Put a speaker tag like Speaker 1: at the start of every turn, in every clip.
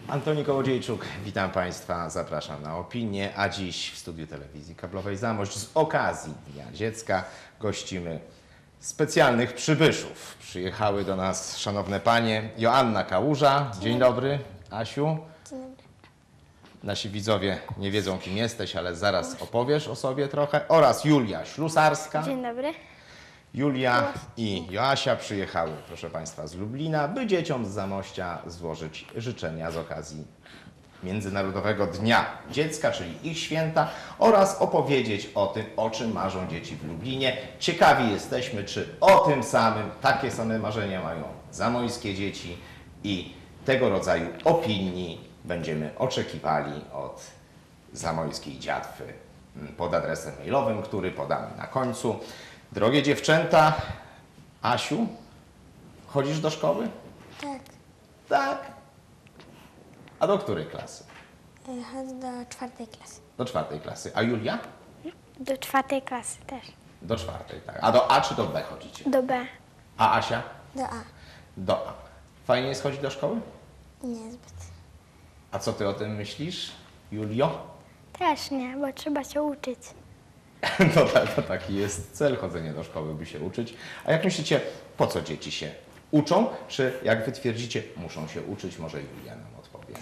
Speaker 1: Antoni Kołodziejczuk, witam Państwa, zapraszam na opinię, a dziś w studiu telewizji kablowej Zamość z okazji Dnia Dziecka gościmy specjalnych przybyszów. Przyjechały do nas szanowne panie Joanna Kałuża, dzień dobry, Asiu.
Speaker 2: Dzień dobry.
Speaker 1: Nasi widzowie nie wiedzą, kim jesteś, ale zaraz opowiesz o sobie trochę, oraz Julia Ślusarska.
Speaker 2: Dzień dobry.
Speaker 1: Julia i Joasia przyjechały, proszę Państwa, z Lublina, by dzieciom z Zamościa złożyć życzenia z okazji Międzynarodowego Dnia Dziecka, czyli ich święta, oraz opowiedzieć o tym, o czym marzą dzieci w Lublinie. Ciekawi jesteśmy, czy o tym samym, takie same marzenia mają zamojskie dzieci i tego rodzaju opinii będziemy oczekiwali od zamojskiej dziatwy pod adresem mailowym, który podamy na końcu. Drogie dziewczęta, Asiu, chodzisz do szkoły?
Speaker 2: Tak.
Speaker 1: Tak. A do której klasy?
Speaker 2: Chodzę do 4. klasy.
Speaker 1: Do 4. klasy. A Julia?
Speaker 2: Do 4. klasy też.
Speaker 1: Do 4. tak. A do A czy do B chodzicie?
Speaker 2: Do B.
Speaker 1: A Asia?
Speaker 2: Do A.
Speaker 1: Do A. Fajnie jest chodzić do szkoły?
Speaker 2: Niezbyt.
Speaker 1: A co ty o tym myślisz, Julio?
Speaker 2: Też nie, bo trzeba się uczyć.
Speaker 1: No tak, to taki jest cel chodzenia do szkoły, by się uczyć. A jak myślicie, po co dzieci się uczą? Czy jak wy twierdzicie, muszą się uczyć? Może Julia nam odpowie.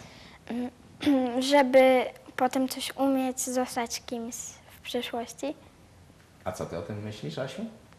Speaker 2: Żeby potem coś umieć, zostać kimś w przyszłości.
Speaker 1: A co ty o tym myślisz, Asiu?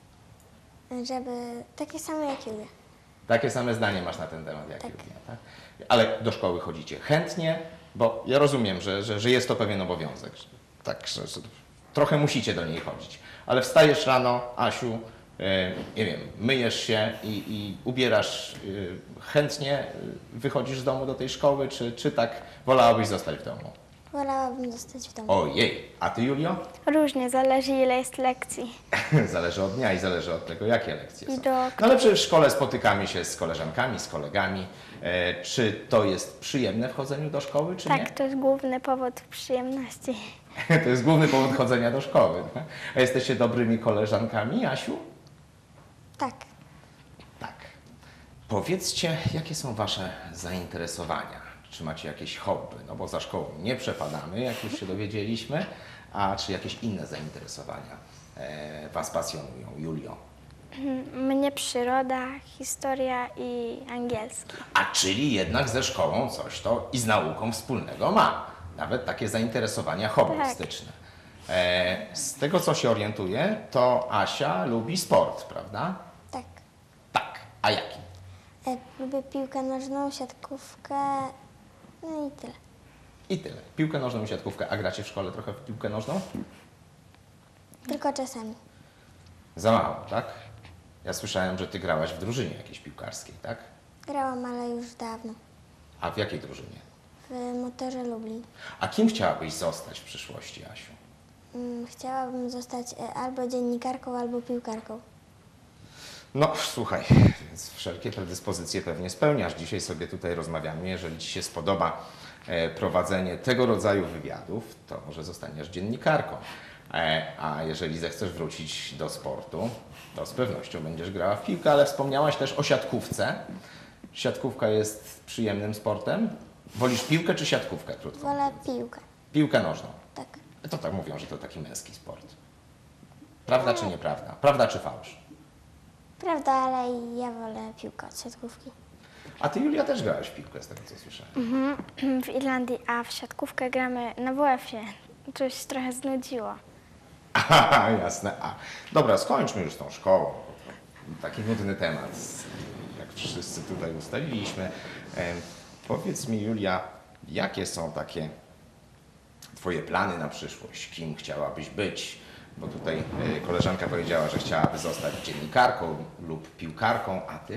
Speaker 2: Żeby takie same jak Julia.
Speaker 1: Takie same zdanie masz na ten temat jak
Speaker 2: Tak.
Speaker 1: Julia, tak? Ale do szkoły chodzicie chętnie, bo ja rozumiem, że jest to pewien obowiązek. Tak, że trochę musicie do niej chodzić. Ale wstajesz rano, Asiu, nie wiem, myjesz się i ubierasz chętnie, wychodzisz z domu do tej szkoły, czy tak wolałabyś zostać w domu?
Speaker 2: Wolałabym zostać w domu.
Speaker 1: Ojej, a ty, Julio?
Speaker 2: Różnie, zależy ile jest lekcji.
Speaker 1: Zależy od dnia i zależy od tego, jakie lekcje
Speaker 2: I
Speaker 1: są.
Speaker 2: do
Speaker 1: No ale przecież w szkole spotykamy się z koleżankami, z kolegami. Czy to jest przyjemne w chodzeniu do szkoły, czy
Speaker 2: Tak,
Speaker 1: nie?
Speaker 2: to jest główny powód przyjemności.
Speaker 1: To jest główny powód chodzenia do szkoły. Tak? A jesteście dobrymi koleżankami, Asiu?
Speaker 2: Tak.
Speaker 1: Tak. Powiedzcie, jakie są wasze zainteresowania? Czy macie jakieś hobby? No bo za szkołą nie przepadamy, jak już się dowiedzieliśmy. A czy jakieś inne zainteresowania was pasjonują, Julio?
Speaker 2: Mnie przyroda, historia i angielski.
Speaker 1: A czyli jednak ze szkołą coś to i z nauką wspólnego ma. Nawet takie zainteresowania hobbystyczne. Z tego, co się orientuję, to Asia lubi sport, prawda?
Speaker 2: Tak.
Speaker 1: Tak. A jaki?
Speaker 2: Lubię piłkę nożną, siatkówkę, no i tyle.
Speaker 1: I tyle. Piłkę nożną i siatkówkę. A gracie w szkole trochę w piłkę nożną?
Speaker 2: Tylko czasami.
Speaker 1: Za mało, tak? Ja słyszałem, że ty grałaś w drużynie jakiejś piłkarskiej, tak?
Speaker 2: Grałam, ale już dawno.
Speaker 1: A w jakiej drużynie?
Speaker 2: W Motorze Lublin.
Speaker 1: A kim chciałabyś zostać w przyszłości, Asiu?
Speaker 2: Chciałabym zostać albo dziennikarką, albo piłkarką.
Speaker 1: No, słuchaj, więc wszelkie predyspozycje pewnie spełniasz. Dzisiaj sobie tutaj rozmawiamy. Jeżeli ci się spodoba prowadzenie tego rodzaju wywiadów, to może zostaniesz dziennikarką. A jeżeli zechcesz wrócić do sportu, to z pewnością będziesz grała w piłkę, ale wspomniałaś też o siatkówce. Siatkówka jest przyjemnym sportem? Wolisz piłkę czy siatkówkę, krótko?
Speaker 2: Wolę piłkę.
Speaker 1: Piłkę nożną.
Speaker 2: Tak.
Speaker 1: To tak mówią, że to taki męski sport. Prawda czy nieprawda? Prawda czy fałsz?
Speaker 2: Prawda, ale ja wolę piłkę od siatkówki.
Speaker 1: A ty, Julia, też grałaś w piłkę, z tego co słyszałem.
Speaker 2: W Irlandii, a w siatkówkę gramy na WF-ie. To się trochę znudziło.
Speaker 1: Aha, jasne. A, dobra, skończmy już z tą szkołą. Taki nudny temat, jak wszyscy tutaj ustaliliśmy. Powiedz mi, Julia, jakie są takie twoje plany na przyszłość? Kim chciałabyś być? Bo tutaj koleżanka powiedziała, że chciałaby zostać dziennikarką lub piłkarką, a ty?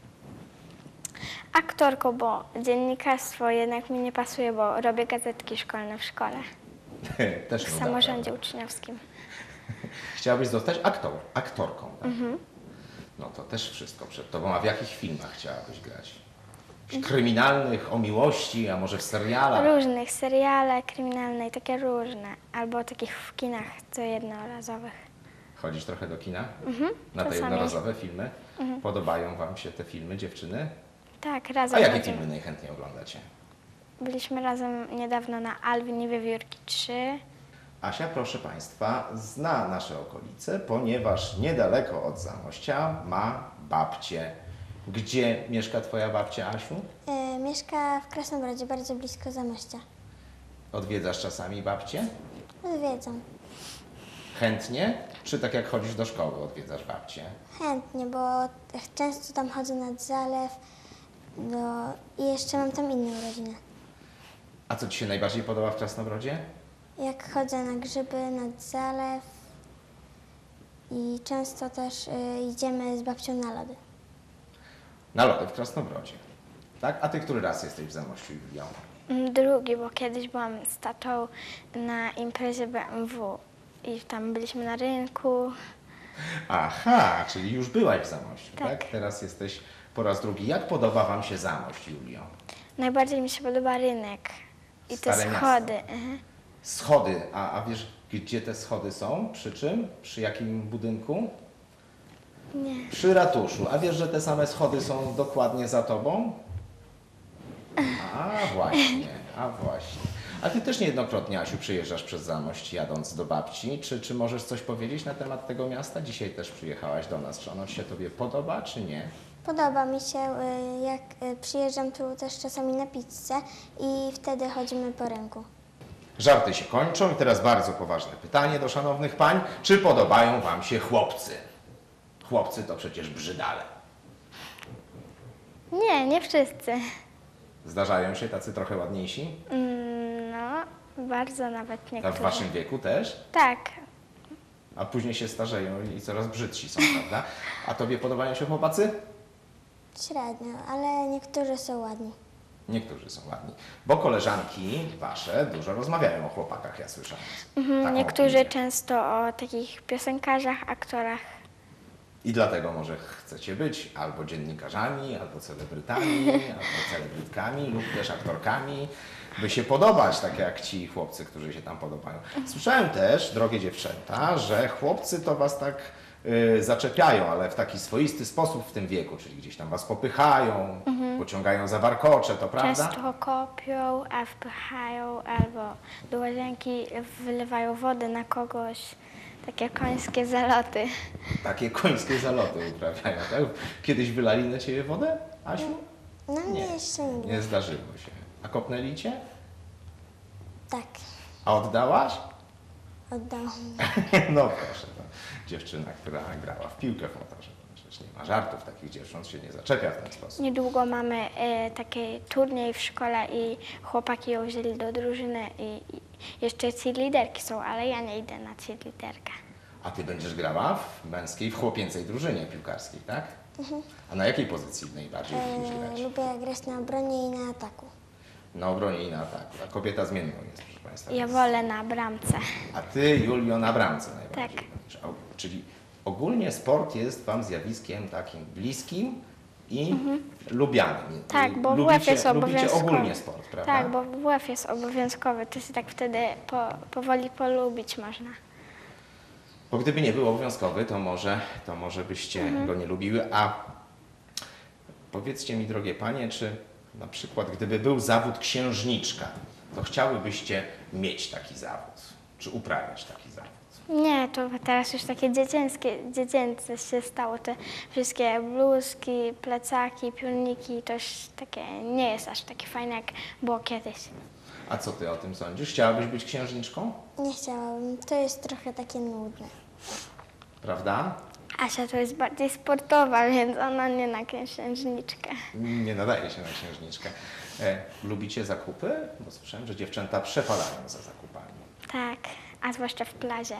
Speaker 2: Aktorką, bo dziennikarstwo jednak mi nie pasuje, bo robię gazetki szkolne w szkole.
Speaker 1: Też
Speaker 2: W
Speaker 1: nuda,
Speaker 2: samorządzie
Speaker 1: prawda?
Speaker 2: uczniowskim.
Speaker 1: Chciałabyś zostać aktorką, tak? No to też wszystko przed tobą. A w jakich filmach chciałabyś grać? Kryminalnych, o miłości, a może w serialach?
Speaker 2: Różnych, seriale kryminalne i takie różne. Albo takich w kinach, co jednorazowych.
Speaker 1: Chodzisz trochę do kina? Na te
Speaker 2: czasami.
Speaker 1: jednorazowe filmy? Podobają wam się te filmy, dziewczyny?
Speaker 2: Tak, razem
Speaker 1: A jakie
Speaker 2: chodzimy.
Speaker 1: filmy najchętniej oglądacie?
Speaker 2: Byliśmy razem niedawno na Alwin i Wiewiórki 3.
Speaker 1: Asia, proszę Państwa, zna nasze okolice, ponieważ niedaleko od Zamościa ma babcię. Gdzie mieszka Twoja babcia, Asiu?
Speaker 3: Mieszka w Krasnobrodzie, bardzo blisko Zamościa.
Speaker 1: Odwiedzasz czasami babcię?
Speaker 3: Odwiedzam.
Speaker 1: Chętnie? Czy tak jak chodzisz do szkoły, odwiedzasz babcię?
Speaker 3: Chętnie, bo często tam chodzę nad zalew i jeszcze mam tam inną rodzinę.
Speaker 1: A co Ci się najbardziej podoba w Krasnobrodzie?
Speaker 3: Jak chodzę na grzyby, nad zalew i często też idziemy z babcią na lody.
Speaker 1: Na lody w Krasnobrodzie. Tak? A Ty który raz jesteś w Zamościu, Julią?
Speaker 2: Drugi, bo kiedyś byłam z tatą na imprezie BMW i tam byliśmy na rynku.
Speaker 1: Aha, czyli już byłaś w Zamościu, tak?
Speaker 2: Tak.
Speaker 1: Teraz jesteś po raz drugi. Jak podoba Wam się Zamość, Julio?
Speaker 2: Najbardziej mi się podoba rynek i te
Speaker 1: Stare
Speaker 2: schody.
Speaker 1: miasto. Schody, a wiesz, gdzie te schody są? Przy czym? Przy jakim budynku?
Speaker 2: Nie.
Speaker 1: Przy ratuszu. A wiesz, że te same schody są dokładnie za tobą? A właśnie, a właśnie. A ty też niejednokrotnie, Asiu, przyjeżdżasz przez Zamość jadąc do babci. Czy możesz coś powiedzieć na temat tego miasta? Dzisiaj też przyjechałaś do nas. Czy ono się tobie podoba, czy nie?
Speaker 3: Podoba mi się, jak przyjeżdżam tu też czasami na pizzę i wtedy chodzimy po rynku.
Speaker 1: Żarty się kończą i teraz bardzo poważne pytanie do szanownych pań. Czy podobają wam się chłopcy? Chłopcy to przecież brzydale.
Speaker 2: Nie, nie wszyscy.
Speaker 1: Zdarzają się tacy trochę ładniejsi?
Speaker 2: No, bardzo nawet
Speaker 1: A
Speaker 2: niektórzy.
Speaker 1: w waszym wieku też?
Speaker 2: Tak,
Speaker 1: A później się starzeją i coraz brzydsi są, prawda? A tobie podobają się chłopacy?
Speaker 3: Średnio, ale niektórzy są ładni.
Speaker 1: Niektórzy są ładni. Bo koleżanki wasze dużo rozmawiają o chłopakach, ja słyszałem. Taką
Speaker 2: niektórzy
Speaker 1: opinię.
Speaker 2: często o takich piosenkarzach, aktorach.
Speaker 1: I dlatego może chcecie być albo dziennikarzami, albo celebrytami, albo celebrytkami, lub też aktorkami, by się podobać, tak jak ci chłopcy, którzy się tam podobają. Słyszałem też, drogie dziewczęta, że chłopcy to was tak zaczepiają, ale w taki swoisty sposób w tym wieku, czyli gdzieś tam was popychają, pociągają za warkocze, to prawda?
Speaker 2: Często kopią, a wpychają, albo do łazienki wylewają wodę na kogoś. Takie końskie zaloty.
Speaker 1: Takie końskie zaloty uprawiają, tak? Kiedyś wylali na ciebie wodę, Asiu?
Speaker 3: No mnie jeszcze nie było.
Speaker 1: Nie zdarzyło się. A kopnęli cię?
Speaker 3: Tak,
Speaker 1: A oddałaś?
Speaker 3: oddałam.
Speaker 1: No proszę, to dziewczyna, która grała w piłkę w motorze. Przecież nie ma żartów, takich dziewcząt się nie zaczepia w ten sposób.
Speaker 2: Niedługo mamy taki turniej w szkole i chłopaki ją wzięli do drużyny i jeszcze cheerleaderki są, ale ja nie idę na cheerleaderkę.
Speaker 1: A ty będziesz grała w męskiej, w chłopięcej drużynie piłkarskiej, tak? A na jakiej pozycji najbardziej lubisz grać?
Speaker 3: Lubię grać na obronie i na ataku.
Speaker 1: Na obronie i na ataku. A kobieta zmienną jest, proszę Państwa.
Speaker 2: Ja wolę na bramce.
Speaker 1: A ty, Julio, na bramce najbardziej.
Speaker 2: Tak.
Speaker 1: będziesz. Czyli ogólnie sport jest wam zjawiskiem takim bliskim i lubianym.
Speaker 2: Tak, bo
Speaker 1: lubicie,
Speaker 2: WF jest
Speaker 1: lubicie
Speaker 2: obowiązkowy.
Speaker 1: ogólnie sport, prawda?
Speaker 2: Tak, bo WF jest obowiązkowy, to się tak wtedy powoli polubić można.
Speaker 1: Bo gdyby nie był obowiązkowy, to może byście go nie lubiły. A powiedzcie mi, drogie panie, czy na przykład gdyby był zawód księżniczka, to chciałybyście mieć taki zawód? Czy uprawiać taki zawód?
Speaker 2: Nie, to teraz już takie dziecięce się stało. Te wszystkie bluzki, plecaki, piórniki, to już takie nie jest aż takie fajne, jak było kiedyś.
Speaker 1: A co ty o tym sądzisz? Chciałabyś być księżniczką?
Speaker 3: Nie chciałabym, to jest trochę takie nudne.
Speaker 1: Prawda?
Speaker 2: Asia to jest bardziej sportowa, więc ona nie na księżniczkę.
Speaker 1: Nie nadaje się na księżniczkę. Lubicie zakupy? Bo słyszałem, że dziewczęta przepadają za zakupami.
Speaker 2: Tak, a zwłaszcza w plazie.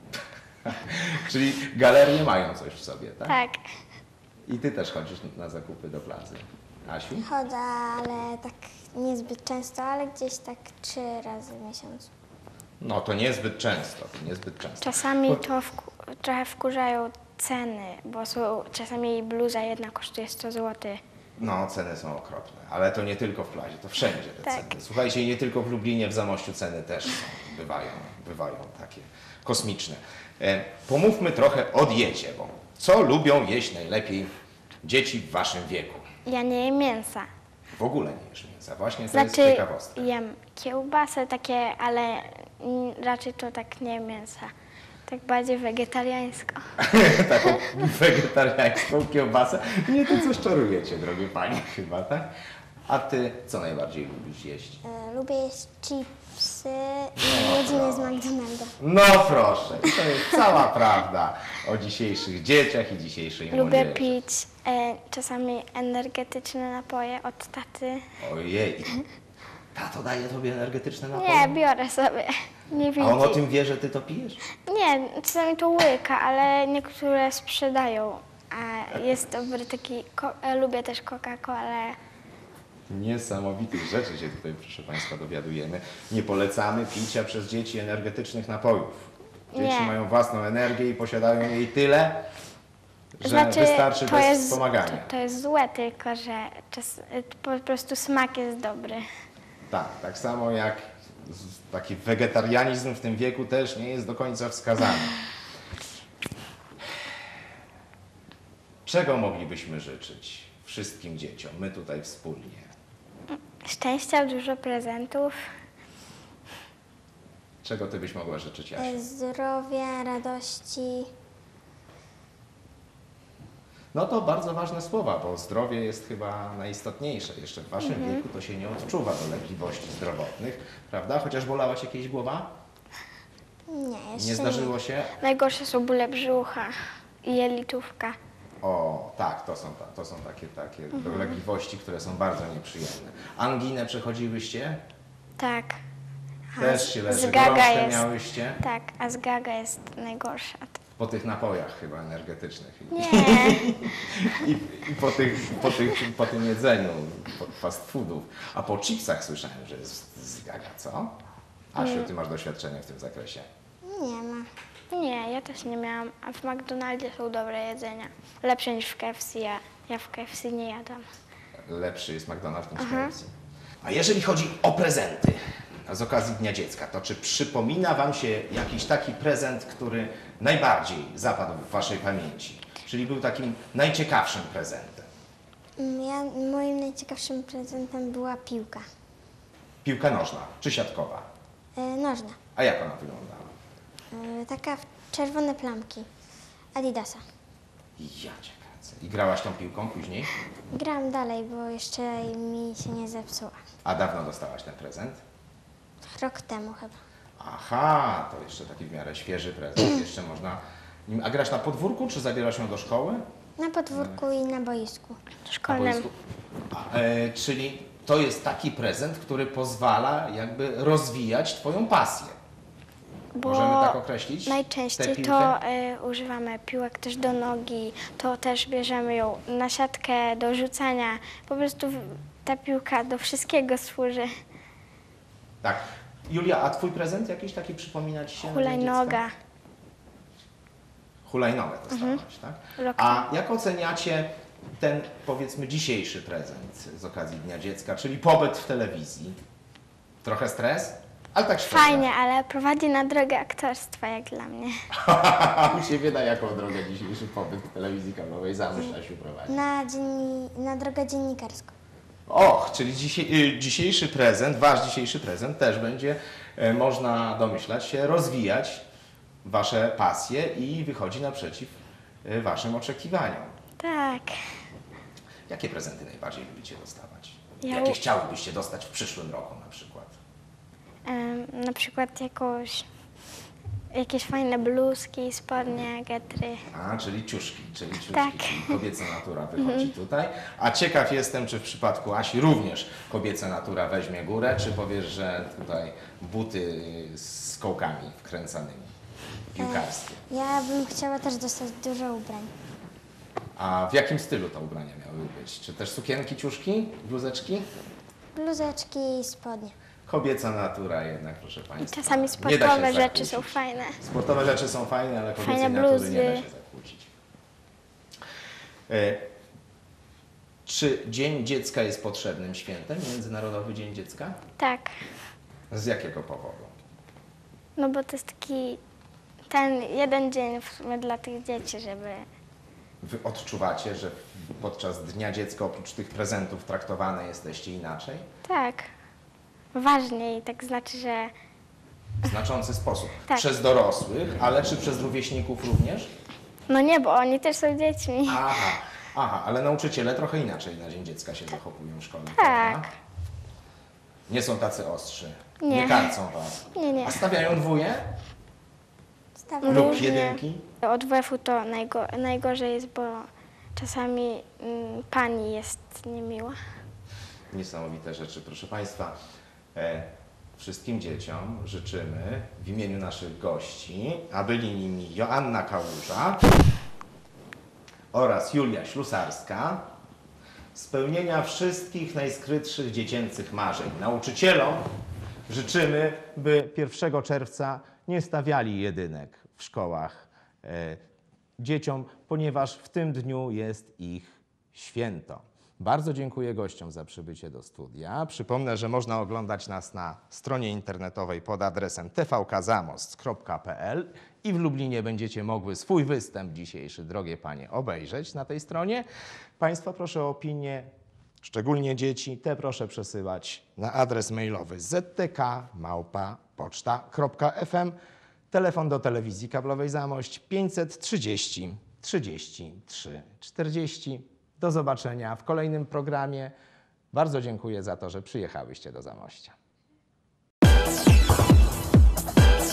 Speaker 1: Czyli galerie mają coś w sobie, tak?
Speaker 2: Tak.
Speaker 1: I ty też chodzisz na zakupy do plazy. Asiu?
Speaker 3: Chodzę, ale tak niezbyt często, ale gdzieś tak 3 razy w miesiącu.
Speaker 1: No to niezbyt często, to niezbyt często.
Speaker 2: Czasami to trochę wkurzają ceny, bo czasami bluza jedna kosztuje 100 zł.
Speaker 1: No, ceny są okropne, ale to nie tylko w plazie, to wszędzie te
Speaker 2: Tak.
Speaker 1: ceny. Słuchajcie, i nie tylko w Lublinie, w Zamościu ceny też są, bywają takie kosmiczne. Pomówmy trochę o diecie, bo co lubią jeść najlepiej dzieci w waszym wieku?
Speaker 2: Ja nie jem mięsa.
Speaker 1: W ogóle nie jesz mięsa. Właśnie to jest
Speaker 2: Znaczy
Speaker 1: ciekawostka.
Speaker 2: jem kiełbasę takie, ale raczej to tak nie mięsa. Tak bardziej wegetariańsko.
Speaker 1: Taką wegetariańską kiełbasę. Nie, to coś czarujecie, drogie panie, chyba, tak? A ty co najbardziej lubisz jeść?
Speaker 3: Lubię jeść chipsy i jedzenie z McDonalda.
Speaker 1: No proszę, i to jest cała prawda o dzisiejszych dzieciach i dzisiejszej
Speaker 2: Lubię
Speaker 1: młodzieży.
Speaker 2: pić czasami energetyczne napoje od taty.
Speaker 1: Ojej, tato daje tobie energetyczne napoje?
Speaker 2: Nie, biorę sobie. Nie
Speaker 1: A on o
Speaker 2: widzi.
Speaker 1: tym wie, że ty to pijesz?
Speaker 2: Nie, czasami to łyka, ale niektóre sprzedają. A jest dobry taki, lubię też Coca-Colę.
Speaker 1: Niesamowitych rzeczy się tutaj, proszę Państwa, dowiadujemy. Nie polecamy picia przez dzieci energetycznych napojów. Dzieci
Speaker 2: Nie.
Speaker 1: mają własną energię i posiadają jej tyle, że wystarczy bez wspomagania.
Speaker 2: To jest złe, tylko że po prostu smak jest dobry.
Speaker 1: Tak, tak samo jak taki wegetarianizm w tym wieku też nie jest do końca wskazany. Czego moglibyśmy życzyć wszystkim dzieciom, my tutaj wspólnie?
Speaker 2: Szczęścia, dużo prezentów.
Speaker 1: Czego ty byś mogła życzyć, Jasiu?
Speaker 3: Zdrowia, radości.
Speaker 1: No to bardzo ważne słowa, bo zdrowie jest chyba najistotniejsze. Jeszcze w waszym wieku to się nie odczuwa dolegliwości zdrowotnych, prawda? Chociaż bolała cię kiedyś głowa?
Speaker 3: Nie, jeszcze
Speaker 1: Nie zdarzyło się?
Speaker 2: Najgorsze są bóle brzucha i jelitówka.
Speaker 1: O, tak, to są takie dolegliwości, które są bardzo nieprzyjemne. Anginę przechodziłyście?
Speaker 2: Tak.
Speaker 1: Też się leży.
Speaker 2: zgaga
Speaker 1: Gorączkę
Speaker 2: jest.
Speaker 1: miałyście?
Speaker 2: Tak, a zgaga jest najgorsza.
Speaker 1: Po tych napojach chyba energetycznych.
Speaker 2: Nie,
Speaker 1: I po tym jedzeniu, fast foodów. A po chipsach słyszałem, że jest zgaga, co? Asiu, ty masz doświadczenie w tym zakresie.
Speaker 3: nie ma.
Speaker 2: nie, ja też nie miałam. A w McDonaldzie są dobre jedzenia. Lepsze niż w KFC. Ja w KFC nie jadam.
Speaker 1: Lepszy jest McDonald's niż KFC. A jeżeli chodzi o prezenty z okazji Dnia Dziecka, to czy przypomina wam się jakiś taki prezent, który najbardziej zapadł w waszej pamięci? Czyli był takim najciekawszym prezentem?
Speaker 3: Moim najciekawszym prezentem była piłka.
Speaker 1: Piłka nożna czy siatkowa?
Speaker 3: Nożna.
Speaker 1: A jak ona wyglądała?
Speaker 3: Taka czerwone plamki. Adidasa.
Speaker 1: Ja cię kręcę. I grałaś tą piłką później?
Speaker 3: Gram dalej, bo jeszcze mi się nie zepsuła.
Speaker 1: A dawno dostałaś ten prezent?
Speaker 3: Rok temu chyba.
Speaker 1: Aha, to jeszcze taki w miarę świeży prezent. Jeszcze można... A grasz na podwórku, czy zabierasz ją do szkoły?
Speaker 3: Na podwórku i na boisku.
Speaker 1: Na
Speaker 2: Szkolnym.
Speaker 1: boisku? Czyli to jest taki prezent, który pozwala jakby rozwijać twoją pasję.
Speaker 2: Bo
Speaker 1: Możemy tak określić? tę
Speaker 2: najczęściej
Speaker 1: piłkę?
Speaker 2: to używamy piłek też do nogi, to też bierzemy ją na siatkę do rzucania. Po prostu ta piłka do wszystkiego służy.
Speaker 1: Tak. Julia, a twój prezent jakiś taki przypomina ci się? na Dzień
Speaker 2: Hulajnoga.
Speaker 1: Dziecka? Hulajnogę dostałaś, tak?
Speaker 2: Rok
Speaker 1: A jak oceniacie ten, powiedzmy, dzisiejszy prezent z okazji Dnia Dziecka, czyli pobyt w telewizji? Trochę stres? Ale tak szczerze.
Speaker 2: Fajnie, ale prowadzi na drogę aktorstwa, jak dla mnie.
Speaker 1: Mi się wyda, jaką drogę dzisiejszy pobyt w telewizji kablowej zamysł Asiu prowadzi.
Speaker 3: Na drogę dziennikarską.
Speaker 1: Och, czyli dzisiejszy prezent, wasz dzisiejszy prezent też będzie, można domyślać się, rozwijać wasze pasje i wychodzi naprzeciw waszym oczekiwaniom.
Speaker 2: Tak.
Speaker 1: Jakie prezenty najbardziej lubicie dostawać?
Speaker 2: Ja
Speaker 1: Jakie chciałybyście dostać w przyszłym roku na przykład?
Speaker 2: Na przykład jakieś fajne bluzki, spodnie, getry.
Speaker 1: A, czyli ciuszki, czyli
Speaker 2: Tak.
Speaker 1: czyli kobieca natura wychodzi tutaj. A ciekaw jestem, czy w przypadku Asi również kobieca natura weźmie górę, czy powiesz, że tutaj buty z kołkami wkręcanymi, piłkarskie.
Speaker 3: Ja bym chciała też dostać dużo ubrań.
Speaker 1: A w jakim stylu te ubrania miały być? Czy też sukienki, ciuszki, bluzeczki?
Speaker 3: Bluzeczki i spodnie.
Speaker 1: Kobieca natura jednak, proszę
Speaker 2: I
Speaker 1: Państwa.
Speaker 2: czasami
Speaker 1: nie da się
Speaker 2: sportowe rzeczy
Speaker 1: zakłócić.
Speaker 2: są fajne.
Speaker 1: Sportowe rzeczy są fajne, ale kobiecej
Speaker 2: Fajne
Speaker 1: natury
Speaker 2: bluzy.
Speaker 1: nie da się zakłócić. Czy Dzień Dziecka jest potrzebnym świętem? Międzynarodowy Dzień Dziecka?
Speaker 2: Tak.
Speaker 1: Z jakiego powodu?
Speaker 2: No bo to jest taki ten jeden dzień w sumie dla tych dzieci, żeby
Speaker 1: Wy odczuwacie, że podczas Dnia Dziecka oprócz tych prezentów traktowane jesteście inaczej?
Speaker 2: Tak. Ważniej, tak znaczy, że
Speaker 1: W znaczący sposób.
Speaker 2: Tak.
Speaker 1: Przez dorosłych, ale czy przez rówieśników również?
Speaker 2: no nie, bo oni też są dziećmi.
Speaker 1: Aha, ale nauczyciele trochę inaczej na Dzień Dziecka się zachowują w szkole,
Speaker 2: Tak.
Speaker 1: prawda? Nie są tacy ostrzy.
Speaker 2: Nie.
Speaker 1: Karcą was.
Speaker 2: Nie.
Speaker 1: A stawiają dwoje
Speaker 3: Stawiam.
Speaker 1: lub
Speaker 2: Różnie.
Speaker 1: jedynki?
Speaker 2: Od WF-u to najgorzej jest, bo czasami pani jest niemiła.
Speaker 1: Niesamowite rzeczy, proszę Państwa. Wszystkim dzieciom życzymy w imieniu naszych gości, a byli nimi Joanna Kałuża oraz Julia Ślusarska, spełnienia wszystkich najskrytszych dziecięcych marzeń. Nauczycielom życzymy, by 1 czerwca nie stawiali jedynek w szkołach dzieciom, ponieważ w tym dniu jest ich święto. Bardzo dziękuję gościom za przybycie do studia. Przypomnę, że można oglądać nas na stronie internetowej pod adresem tvkzamost.pl i w Lublinie będziecie mogły swój występ dzisiejszy, drogie panie, obejrzeć na tej stronie. Państwa proszę o opinię, szczególnie dzieci, te proszę przesyłać na adres mailowy ztk@poczta.fm. Telefon do telewizji kablowej Zamość 530 33 40. Do zobaczenia w kolejnym programie. Bardzo dziękuję za to, że przyjechałyście do Zamościa.